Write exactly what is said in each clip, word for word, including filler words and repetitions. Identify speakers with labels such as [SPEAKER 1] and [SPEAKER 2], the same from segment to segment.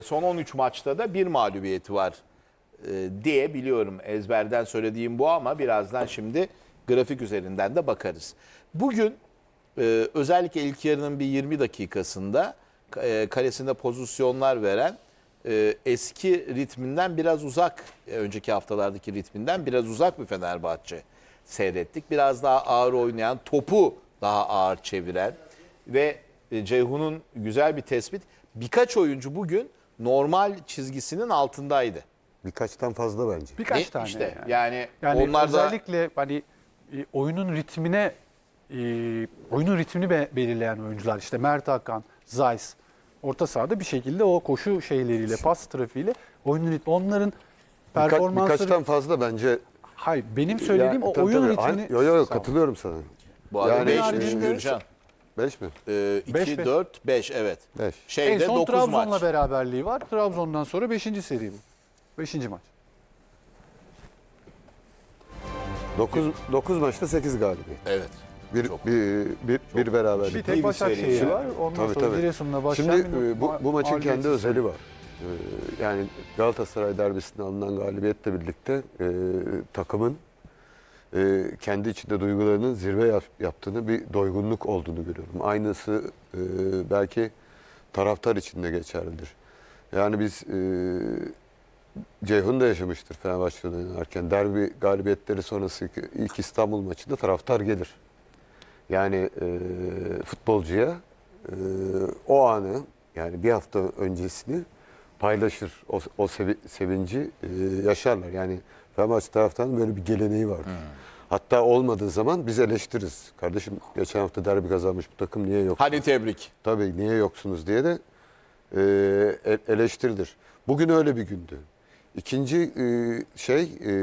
[SPEAKER 1] Son on üç maçta da bir mağlubiyeti var e, diye biliyorum. Ezberden söylediğim bu ama birazdan şimdi grafik üzerinden de bakarız. Bugün e, özellikle ilk yarının bir yirmi dakikasında e, kalesinde pozisyonlar veren e, eski ritminden biraz uzak, e, önceki haftalardaki ritminden biraz uzak bir Fenerbahçe seyrettik. Biraz daha ağır oynayan, topu daha ağır çeviren ve e, Ceyhun'un güzel bir tespit. Birkaç oyuncu bugün normal çizgisinin altındaydı.
[SPEAKER 2] Birkaçtan fazla bence.
[SPEAKER 3] Birkaç
[SPEAKER 1] Ne?
[SPEAKER 3] tane
[SPEAKER 1] İşte
[SPEAKER 3] yani.
[SPEAKER 1] yani,
[SPEAKER 3] Yani
[SPEAKER 1] onlar da
[SPEAKER 3] özellikle hani e, oyunun ritmine e, oyunun ritmini be- belirleyen oyuncular işte Mert Hakan, Zeiss orta sahada bir şekilde o koşu şeyleriyle, pas trafiğiyle oyunun ritmi onların
[SPEAKER 2] Birkaç,
[SPEAKER 3] performansları.
[SPEAKER 2] birkaçtan fazla bence.
[SPEAKER 3] Hayır, benim söylediğim
[SPEAKER 2] Ya,
[SPEAKER 3] o
[SPEAKER 2] tabii,
[SPEAKER 3] oyun
[SPEAKER 2] tabii.
[SPEAKER 3] ritmini.
[SPEAKER 2] Yok yok
[SPEAKER 3] Sağ ol.
[SPEAKER 2] katılıyorum sana.
[SPEAKER 1] bu arada
[SPEAKER 2] Yani
[SPEAKER 1] beş
[SPEAKER 3] haricinde-
[SPEAKER 1] Gürcan.
[SPEAKER 2] beş mi?
[SPEAKER 1] Ee,
[SPEAKER 3] Beş,
[SPEAKER 1] iki,
[SPEAKER 3] beş.
[SPEAKER 1] dört, beş evet.
[SPEAKER 2] beş.
[SPEAKER 3] En
[SPEAKER 1] Şeyde
[SPEAKER 3] son
[SPEAKER 1] dokuz
[SPEAKER 3] Trabzon'la
[SPEAKER 1] maç.
[SPEAKER 3] beraberliği var. Trabzon'dan sonra beşinci seri bu. beşinci maç.
[SPEAKER 2] dokuz dokuz maçta sekiz galibiyet.
[SPEAKER 1] Evet.
[SPEAKER 2] Bir
[SPEAKER 1] Çok-
[SPEAKER 2] bir bir, bir beraberlik.
[SPEAKER 3] Bir
[SPEAKER 1] bir
[SPEAKER 3] tek Başakşehir
[SPEAKER 1] seri
[SPEAKER 3] var.
[SPEAKER 1] yani.
[SPEAKER 3] Ondan
[SPEAKER 2] Tabii,
[SPEAKER 3] sonra
[SPEAKER 2] tabii.
[SPEAKER 3] Giresun'la başlayan
[SPEAKER 2] Şimdi
[SPEAKER 3] bir
[SPEAKER 2] e, bu, bu maçın kendi
[SPEAKER 3] mağlubiyetsiz
[SPEAKER 2] özeli var. Ee, Yani Galatasaray derbisinde alınan galibiyetle birlikte e, takımın e, kendi içinde duygularının zirve yap- yaptığını, bir doygunluk olduğunu görüyorum. Aynısı e, belki taraftar için de geçerlidir. Yani biz e, Ceyhun da yaşamıştır Fenerbahçe'de oynarken. Derbi galibiyetleri sonrası ilk İstanbul maçında taraftar gelir. Yani e, futbolcuya e, o anı, yani bir hafta öncesini paylaşır. O, o sevi- sevinci e, yaşarlar. Yani Fenerbahçe taraftarının böyle bir geleneği vardır.
[SPEAKER 1] Hmm.
[SPEAKER 2] Hatta olmadığı zaman biz eleştiririz. Kardeşim geçen hafta derbi kazanmış bu takım niye yok?
[SPEAKER 1] Hadi tebrik.
[SPEAKER 2] Tabii niye yoksunuz diye de e, e- eleştirilir. Bugün öyle bir gündü. İkinci e, şey e,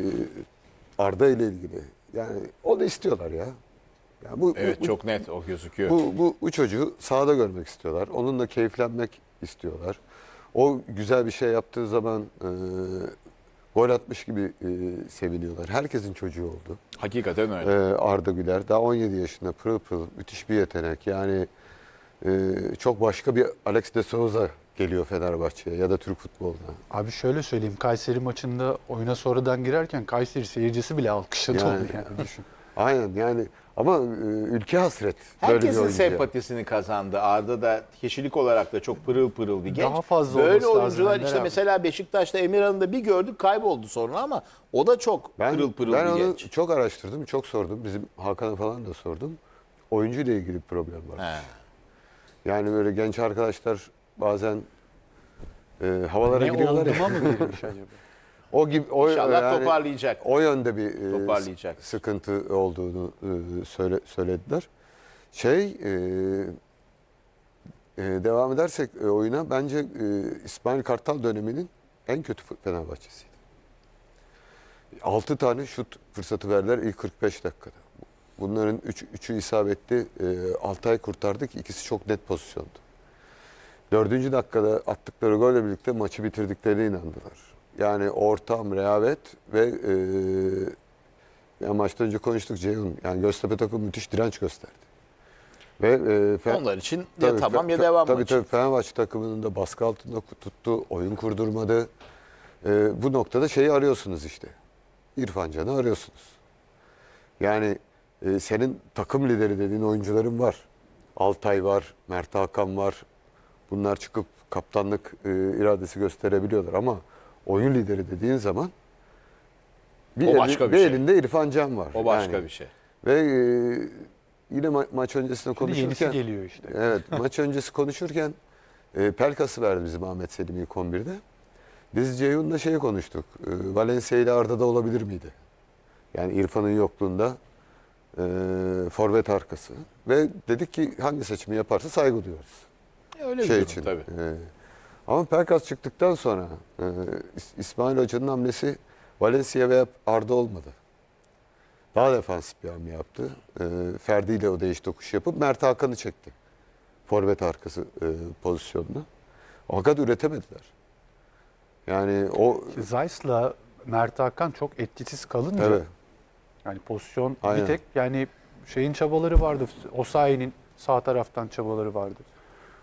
[SPEAKER 2] Arda ile ilgili. Yani o da istiyorlar ya. Yani bu,
[SPEAKER 1] Evet
[SPEAKER 2] bu,
[SPEAKER 1] çok net o gözüküyor.
[SPEAKER 2] bu, bu, bu çocuğu sahada görmek istiyorlar. Onunla keyiflenmek istiyorlar. O güzel bir şey yaptığı zaman e, gol atmış gibi e, seviniyorlar. Herkesin çocuğu oldu.
[SPEAKER 1] Hakikaten öyle.
[SPEAKER 2] Ee, Arda Güler daha on yedi yaşında, pırıl pırıl, müthiş bir yetenek. Yani e, çok başka bir Alex de Souza geliyor Fenerbahçe'ye ya da Türk futboluna.
[SPEAKER 3] Abi şöyle söyleyeyim. Kayseri maçında oyuna sonradan girerken Kayseri seyircisi bile alkışladı
[SPEAKER 2] Yani-
[SPEAKER 3] onu yani düşün.
[SPEAKER 2] Aynen yani ama e, ülke hasret. böyle bir
[SPEAKER 1] Herkesin
[SPEAKER 2] oyuncuya.
[SPEAKER 1] sempatisini kazandı. Arda da kişilik olarak da çok pırıl pırıl bir genç.
[SPEAKER 3] Daha fazla
[SPEAKER 1] Böyle
[SPEAKER 3] olması lazım
[SPEAKER 1] oyuncular
[SPEAKER 3] Ender
[SPEAKER 1] işte
[SPEAKER 3] abi.
[SPEAKER 1] mesela Beşiktaş'ta Emirhan'ı da bir gördük kayboldu sonra ama o da çok
[SPEAKER 2] Ben,
[SPEAKER 1] pırıl pırıl
[SPEAKER 2] ben
[SPEAKER 1] bir
[SPEAKER 2] onu
[SPEAKER 1] genç.
[SPEAKER 2] çok araştırdım, çok sordum. Bizim Hakan'a falan da sordum. Oyuncuyla ilgili bir problem var.
[SPEAKER 1] He.
[SPEAKER 2] Yani böyle genç arkadaşlar bazen e, havalara
[SPEAKER 3] Ne
[SPEAKER 2] giriyorlar ya.
[SPEAKER 3] olduğuma mı girmiş acaba?
[SPEAKER 2] O gibi o
[SPEAKER 1] İnşallah
[SPEAKER 2] yani-
[SPEAKER 1] toparlayacak.
[SPEAKER 2] O yönde bir e,
[SPEAKER 1] Toparlayacak.
[SPEAKER 2] s- sıkıntı olduğunu e, söyle, söylediler. Şey e, e, devam edersek e, oyuna bence e, İsmail Kartal döneminin en kötü Fenerbahçesiydi. altı tane şut fırsatı verdiler ilk kırk beş dakikada. Bunların üç, üçü isabetli. E, Altay kurtardık. İkisi çok net pozisyondu. Dördüncü dakikada attıkları golle birlikte maçı bitirdiklerine inandılar. Yani ortam, rehavet ve e, ya maçtan önce konuştuk Ceyhun. Yani Göztepe takımı müthiş direnç gösterdi. Ve e, Fe-
[SPEAKER 1] Onlar için ya
[SPEAKER 2] tabii,
[SPEAKER 1] tamam ya
[SPEAKER 2] Fe-
[SPEAKER 1] devam
[SPEAKER 2] Tabii
[SPEAKER 1] maçı.
[SPEAKER 2] tabii Fenerbahçe takımının da baskı altında tuttu, oyun kurdurmadı. E, bu noktada şeyi arıyorsunuz işte. İrfan Can'ı arıyorsunuz. Yani e, senin takım lideri dediğin oyuncuların var. Altay var, Mert Hakan var. Bunlar çıkıp kaptanlık e, iradesi gösterebiliyorlar ama oyun lideri dediğin zaman bir,
[SPEAKER 1] O
[SPEAKER 2] eli-
[SPEAKER 1] başka bir
[SPEAKER 2] bir
[SPEAKER 1] şey.
[SPEAKER 2] elinde İrfan Can var.
[SPEAKER 1] O başka
[SPEAKER 2] Yani.
[SPEAKER 1] bir şey.
[SPEAKER 2] Ve e, yine ma- maç öncesinde
[SPEAKER 3] Şimdi yenisi
[SPEAKER 2] konuşurken
[SPEAKER 3] geliyor işte.
[SPEAKER 2] evet maç öncesi konuşurken e, Pelkas'ı verdi bizim Ahmet Selim ilk on birde. Biz Ceyhun'la şeyi konuştuk. E, Valencia ile Arda'da olabilir miydi? Yani İrfan'ın yokluğunda e, forvet arkası. Ve dedik ki hangi seçimi yaparsa saygı duyuyoruz.
[SPEAKER 1] Öyle bir
[SPEAKER 2] Şey
[SPEAKER 1] durum
[SPEAKER 2] için.
[SPEAKER 1] tabii.
[SPEAKER 2] e, ama Pelkas çıktıktan sonra e, İs- İsmail Hoca'nın hamlesi Valencia veya Arda olmadı. Daha defansif bir hamle yaptı. E, Ferdi ile o değiş tokuş yapıp Mert Hakan'ı çekti. Forvet arkası e, pozisyonuna. Fakat üretemediler. Yani o
[SPEAKER 3] Zeiss'la Mert Hakan çok etkisiz kalınca
[SPEAKER 2] evet.
[SPEAKER 3] yani pozisyon
[SPEAKER 2] Aynen.
[SPEAKER 3] bir tek yani şeyin çabaları vardı. Osayi'nin sağ taraftan çabaları vardı.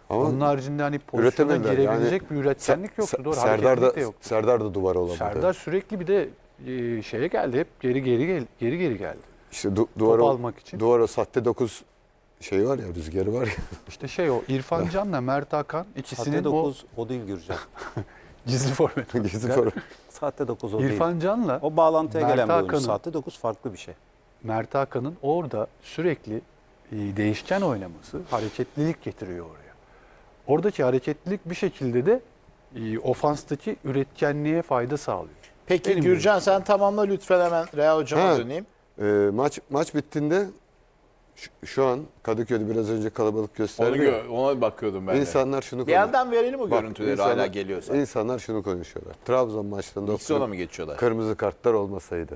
[SPEAKER 2] Ama
[SPEAKER 3] Onun haricinde hani pozisyona
[SPEAKER 2] üretemediler.
[SPEAKER 3] girebilecek
[SPEAKER 2] Yani
[SPEAKER 3] bir üretkenlik yoktu.
[SPEAKER 2] Se-
[SPEAKER 3] Doğru,
[SPEAKER 2] Serdar
[SPEAKER 3] hareketlilik
[SPEAKER 2] da,
[SPEAKER 3] de yoktu.
[SPEAKER 2] Serdar da duvar olamadı.
[SPEAKER 3] Serdar sürekli bir de e, şeye geldi. Hep geri geri gel, geri geri geldi.
[SPEAKER 2] İşte du- duvara,
[SPEAKER 3] almak için.
[SPEAKER 2] Duvara sahte dokuz şey var ya, rüzgarı var ya.
[SPEAKER 3] İşte şey o İrfan Can'la Mert Hakan ikisinin
[SPEAKER 4] Sahte
[SPEAKER 3] o
[SPEAKER 4] dokuz o değil Gürcan.
[SPEAKER 3] gizli forvet.
[SPEAKER 2] Gizli form.
[SPEAKER 4] Sahte dokuz o değil.
[SPEAKER 3] İrfan Can'la
[SPEAKER 4] O bağlantıya
[SPEAKER 3] Mert
[SPEAKER 4] gelen bir oyuncu.
[SPEAKER 3] Hakan'ın-
[SPEAKER 4] Sahte dokuz farklı bir şey.
[SPEAKER 3] Mert Hakan'ın orada sürekli e, değişken oynaması hareketlilik getiriyor oraya. Oradaki hareketlilik bir şekilde de e, ofanstaki üretkenliğe fayda sağlıyor.
[SPEAKER 1] Peki
[SPEAKER 3] Benim
[SPEAKER 1] Gürcan sen tamamla lütfen, hemen Rea hocama
[SPEAKER 2] Ha.
[SPEAKER 1] döneyim.
[SPEAKER 2] Ee, maç maç bittiğinde şu, şu an Kadıköy'de biraz önce kalabalık
[SPEAKER 1] Onu
[SPEAKER 2] gösterdi. ya.
[SPEAKER 1] gö- ona bakıyordum ben de.
[SPEAKER 2] İnsanlar şunu
[SPEAKER 1] Bir
[SPEAKER 2] konuşuyor.
[SPEAKER 1] yandan verelim o
[SPEAKER 2] Bak,
[SPEAKER 1] görüntüleri
[SPEAKER 2] insanlar-
[SPEAKER 1] hala geliyorsa.
[SPEAKER 2] İnsanlar şunu konuşuyorlar. Trabzon maçlarında
[SPEAKER 1] İkisi ona mı geçiyorlar?
[SPEAKER 2] kırmızı kartlar olmasaydı.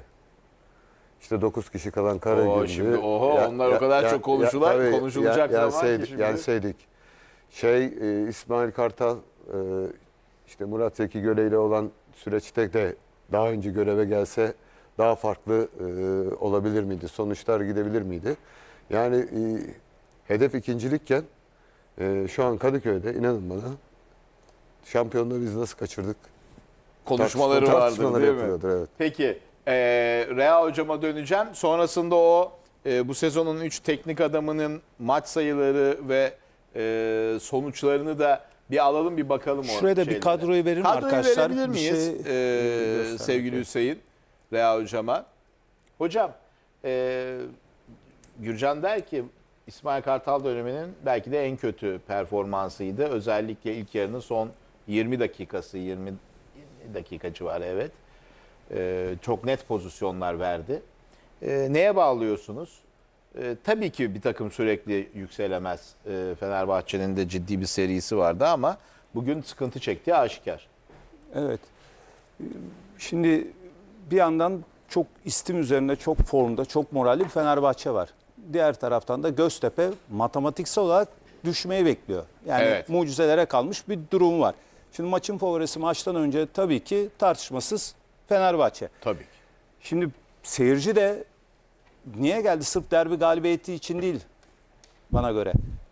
[SPEAKER 2] İşte dokuz kişi kalan Karagümrük.
[SPEAKER 1] Oo, şimdi oho, onlar o kadar çok konuşular,
[SPEAKER 2] tabii,
[SPEAKER 1] konuşulacak zaman ki
[SPEAKER 2] yenseydik,
[SPEAKER 1] şimdi.
[SPEAKER 2] Yenseydik. Şey e, İsmail Kartal e, işte Murat Zeki Göle ile olan süreçte de daha önce göreve gelse daha farklı e, olabilir miydi? Sonuçlar gidebilir miydi? Yani e, hedef ikincilikken e, şu an Kadıköy'de inanın bana şampiyonluğu biz nasıl kaçırdık?
[SPEAKER 1] Konuşmaları
[SPEAKER 2] Tartışma-
[SPEAKER 1] vardı
[SPEAKER 2] tartışmaları
[SPEAKER 1] değil mi?
[SPEAKER 2] yapılıyordur, evet.
[SPEAKER 1] Peki e, Rea hocama döneceğim. Sonrasında o e, bu sezonun üç teknik adamının maç sayıları ve e, sonuçlarını da bir alalım, bir bakalım. o
[SPEAKER 4] Şuraya da bir
[SPEAKER 1] şeylere.
[SPEAKER 4] kadroyu verir mi
[SPEAKER 1] Kadroyu
[SPEAKER 4] arkadaşlar?
[SPEAKER 1] verebilir
[SPEAKER 4] Bir
[SPEAKER 1] miyiz
[SPEAKER 4] şey,
[SPEAKER 1] e,
[SPEAKER 4] göstermek
[SPEAKER 1] sevgili
[SPEAKER 4] yok.
[SPEAKER 1] Hüseyin, Rea hocama? Hocam e, Gürcan der ki İsmail Kartal döneminin belki de en kötü performansıydı. Özellikle ilk yarının son yirmi dakikası, yirmi dakika civarı, evet. Ee, çok net pozisyonlar verdi. Ee, neye bağlıyorsunuz? Ee, tabii ki bir takım sürekli yükselemez. Ee, Fenerbahçe'nin de ciddi bir serisi vardı ama bugün sıkıntı çektiği aşikar.
[SPEAKER 4] Evet. Şimdi bir yandan çok istim üzerinde, çok formda, çok moralli bir Fenerbahçe var. Diğer taraftan da Göztepe matematiksel olarak düşmeyi bekliyor. Yani
[SPEAKER 1] Evet.
[SPEAKER 4] mucizelere kalmış bir durum var. Şimdi maçın favorisi maçtan önce tabii ki tartışmasız Fenerbahçe.
[SPEAKER 1] Tabii ki.
[SPEAKER 4] Şimdi seyirci de niye geldi? Sırf derbi galibiyeti için değil bana göre.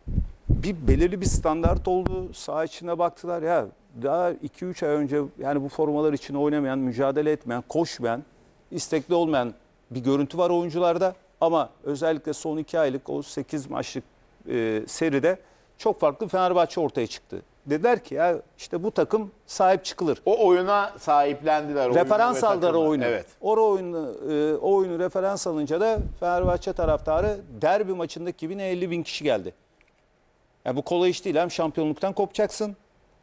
[SPEAKER 4] Bir belirli bir standart oldu. Saha içine baktılar ya, daha iki üç ay önce yani bu formalar için oynamayan, mücadele etmeyen, koşmayan, istekli olmayan bir görüntü var oyuncularda. Ama özellikle son iki aylık o sekiz maçlık e, seride çok farklı Fenerbahçe ortaya çıktı. Dediler ki ya işte bu takım sahip çıkılır.
[SPEAKER 1] O oyuna sahiplendiler. oyunu
[SPEAKER 4] Referans
[SPEAKER 1] ve
[SPEAKER 4] aldılar
[SPEAKER 1] takımı.
[SPEAKER 4] oyunu.
[SPEAKER 1] Evet.
[SPEAKER 4] O oyunu, e, o oyunu referans alınca da Fenerbahçe taraftarı derbi maçındaki gibi ne elli bin kişi geldi. Yani bu kolay iş değil. Hem şampiyonluktan kopacaksın.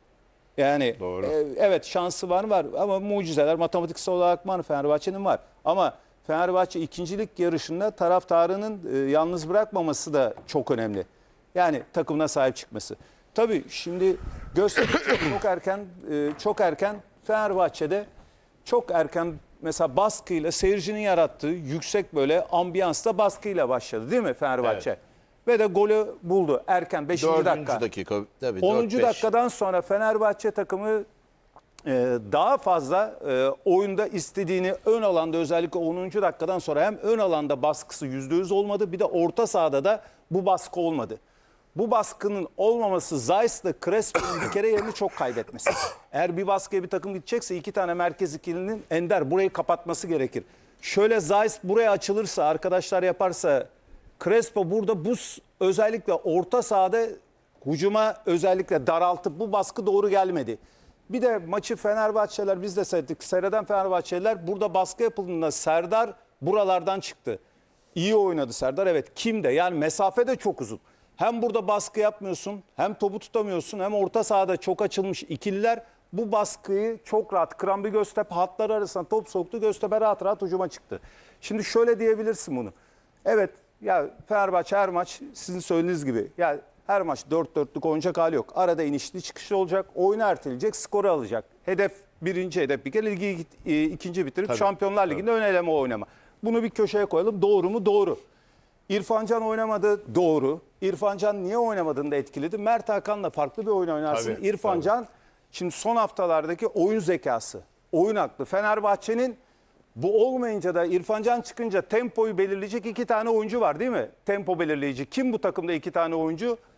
[SPEAKER 4] Yani
[SPEAKER 1] Doğru.
[SPEAKER 4] e, evet şansı var var ama mucizeler matematiksel olarak var, Fenerbahçe'nin var. Ama Fenerbahçe ikincilik yarışında taraftarının e, yalnız bırakmaması da çok önemli. Yani takımına sahip çıkması. Tabii şimdi Göztepe çok, çok erken e, çok erken Fenerbahçe'de çok erken mesela baskıyla seyircinin yarattığı yüksek böyle ambiyansla baskıyla başladı değil mi Fenerbahçe?
[SPEAKER 1] Evet.
[SPEAKER 4] Ve de golü buldu erken beşinci
[SPEAKER 1] Dördüncü
[SPEAKER 4] dakika.
[SPEAKER 1] dakika. Tabii,
[SPEAKER 4] onuncu
[SPEAKER 1] dört beş.
[SPEAKER 4] dakikadan sonra Fenerbahçe takımı e, daha fazla e, oyunda istediğini ön alanda özellikle onuncu dakikadan sonra hem ön alanda baskısı yüzde yüz olmadı bir de orta sahada da bu baskı olmadı. Bu baskının olmaması Zayt'la Crespo'nun bir kere yerini çok kaybetmesi. Eğer bir baskıya bir takım gidecekse iki tane merkez ikilinin Ender burayı kapatması gerekir. Şöyle Zayt buraya açılırsa arkadaşlar yaparsa Crespo burada bu s- özellikle orta sahada hücuma özellikle daraltıp bu baskı doğru gelmedi. Bir de maçı Fenerbahçeliler biz de seyrettik. Seyreden Fenerbahçeliler burada baskı yapıldığında Serdar buralardan çıktı. İyi oynadı Serdar evet. Kim de yani mesafe de çok uzun. Hem burada baskı yapmıyorsun hem topu tutamıyorsun hem orta sahada çok açılmış ikililer bu baskıyı çok rahat kıran bir Göztepe hatları arasında top soktu. Göztepe rahat rahat hücuma çıktı. Şimdi şöyle diyebilirsin bunu. Evet ya Fenerbahçe her maç sizin söylediğiniz gibi ya her maç dört dörtlük oynayacak hali yok. Arada inişli çıkışlı olacak. Oyunu erteleyecek, skoru alacak. Hedef birinci hedef bir kere ligi e, ikinci bitirip
[SPEAKER 1] Tabii,
[SPEAKER 4] Şampiyonlar Ligi'nde ön eleme oynama. Bunu bir köşeye koyalım. Doğru mu? Doğru. İrfan Can oynamadı. Doğru. İrfan Can niye oynamadığını da etkiledi. Mert Hakan'la farklı bir oyun oynarsın.
[SPEAKER 1] Tabii,
[SPEAKER 4] İrfan
[SPEAKER 1] tabii.
[SPEAKER 4] Can şimdi son haftalardaki oyun zekası, oyun aklı. Fenerbahçe'nin bu olmayınca da İrfan Can çıkınca tempoyu belirleyecek iki tane oyuncu var değil mi? Tempo belirleyici. Kim bu takımda iki tane oyuncu?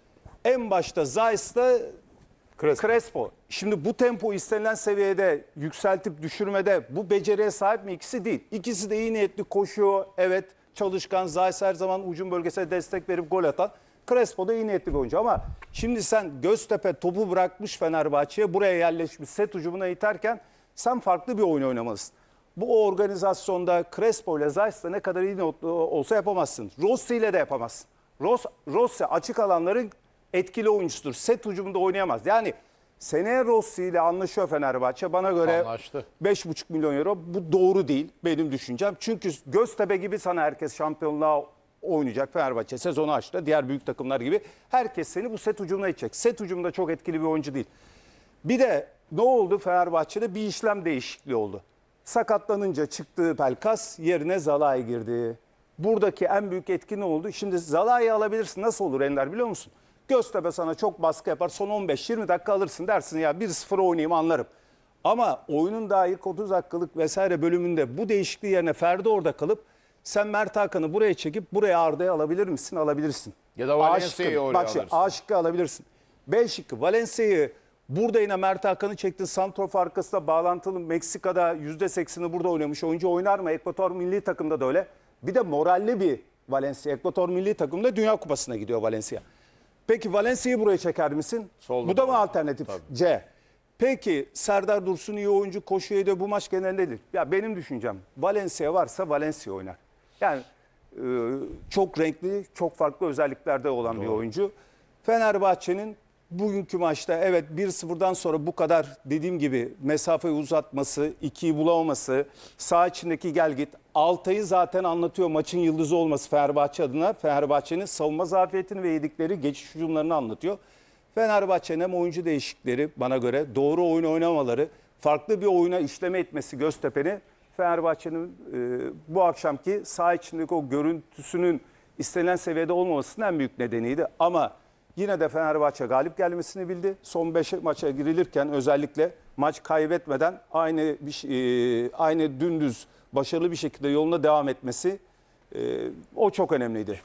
[SPEAKER 4] En başta Zayt'la
[SPEAKER 2] Crespo.
[SPEAKER 4] Crespo. Şimdi bu tempo istenilen seviyede yükseltip düşürmede bu beceriye sahip mi? İkisi değil. İkisi de iyi niyetli koşuyor. Evet, çalışkan. Zayt her zaman hücum bölgesine destek verip gol atan. Crespo da iyi niyetli bir oyuncu ama şimdi sen Göztepe topu bırakmış Fenerbahçe'ye, buraya yerleşmiş, set hücumuna iterken sen farklı bir oyun oynamalısın. Bu organizasyonda Crespo ile Zayt'la ne kadar iyi olsa yapamazsın. Rossi ile de yapamazsın. Ross, Rossi açık alanların etkili oyuncusudur. Set hücumunda oynayamaz. Yani seneye Rossi ile anlaşıyor Fenerbahçe. Bana göre
[SPEAKER 1] Anlaştı.
[SPEAKER 4] beş buçuk milyon euro. Bu doğru değil benim düşüncem. Çünkü Göztepe gibi sana herkes şampiyonluğa oynayacak. Fenerbahçe sezonu açtı. Diğer büyük takımlar gibi. Herkes seni bu set hücumuna itecek. Set hücumunda çok etkili bir oyuncu değil. Bir de ne oldu Fenerbahçe'de? Bir işlem değişikliği oldu. Sakatlanınca çıktığı Pelkas yerine Zalai girdi. Buradaki en büyük etki ne oldu? Şimdi Zalai'yi alabilirsin. Nasıl olur Ender biliyor musun? Göztepe sana çok baskı yapar. Son on beş yirmi dakika alırsın dersin ya bir sıfır oynayayım anlarım. Ama oyunun daha ilk otuz dakikalık vesaire bölümünde bu değişikliği yerine Ferdi orada kalıp sen Mert Hakan'ı buraya çekip buraya Arda'ya alabilir misin? Alabilirsin.
[SPEAKER 1] Ya da
[SPEAKER 4] A
[SPEAKER 1] Valencia'yı
[SPEAKER 4] şıkkı.
[SPEAKER 1] oraya
[SPEAKER 4] Bak şimdi
[SPEAKER 1] alırsın.
[SPEAKER 4] A şıkkı alabilirsin. B şıkkı Valencia'yı burada yine Mert Hakan'ı çektin. Santrof arkasında bağlantılı Meksika'da yüzde sekseni burada oynamış. Oyuncu oynar mı? Ekvator milli takımda da öyle. Bir de moralli bir Valencia. Ekvator milli takımda Dünya Kupası'na gidiyor Valencia. Peki Valencia'yı buraya çeker misin?
[SPEAKER 1] Solda
[SPEAKER 4] Bu da mı
[SPEAKER 1] da.
[SPEAKER 4] alternatif?
[SPEAKER 1] Tabii.
[SPEAKER 4] C. Peki Serdar Dursun iyi oyuncu, koşuyu da bu maç genelinde ya benim düşüncem Valencia varsa Valencia oynar. Yani e, çok renkli, çok farklı özelliklerde olan bir oyuncu. Fenerbahçe'nin bugünkü maçta evet bir sıfırdan sonra bu kadar dediğim gibi mesafeyi uzatması, ikiyi bulamaması, sağ içindeki gel git. Altay'ı zaten anlatıyor maçın yıldızı olması Fenerbahçe adına. Fenerbahçe'nin savunma zafiyetini ve yedikleri geçiş hücumlarını anlatıyor. Fenerbahçe'nin hem oyuncu değişiklikleri bana göre doğru oyun oynamaları, farklı bir oyuna işleme etmesi Göztepe'ni Fenerbahçe'nin e, bu akşamki saha içindeki o görüntüsünün istenilen seviyede olmamasının en büyük nedeniydi. Ama yine de Fenerbahçe galip gelmesini bildi. Son beş maça girilirken özellikle maç kaybetmeden aynı bir, e, aynı dümdüz başarılı bir şekilde yoluna devam etmesi e, o çok önemliydi.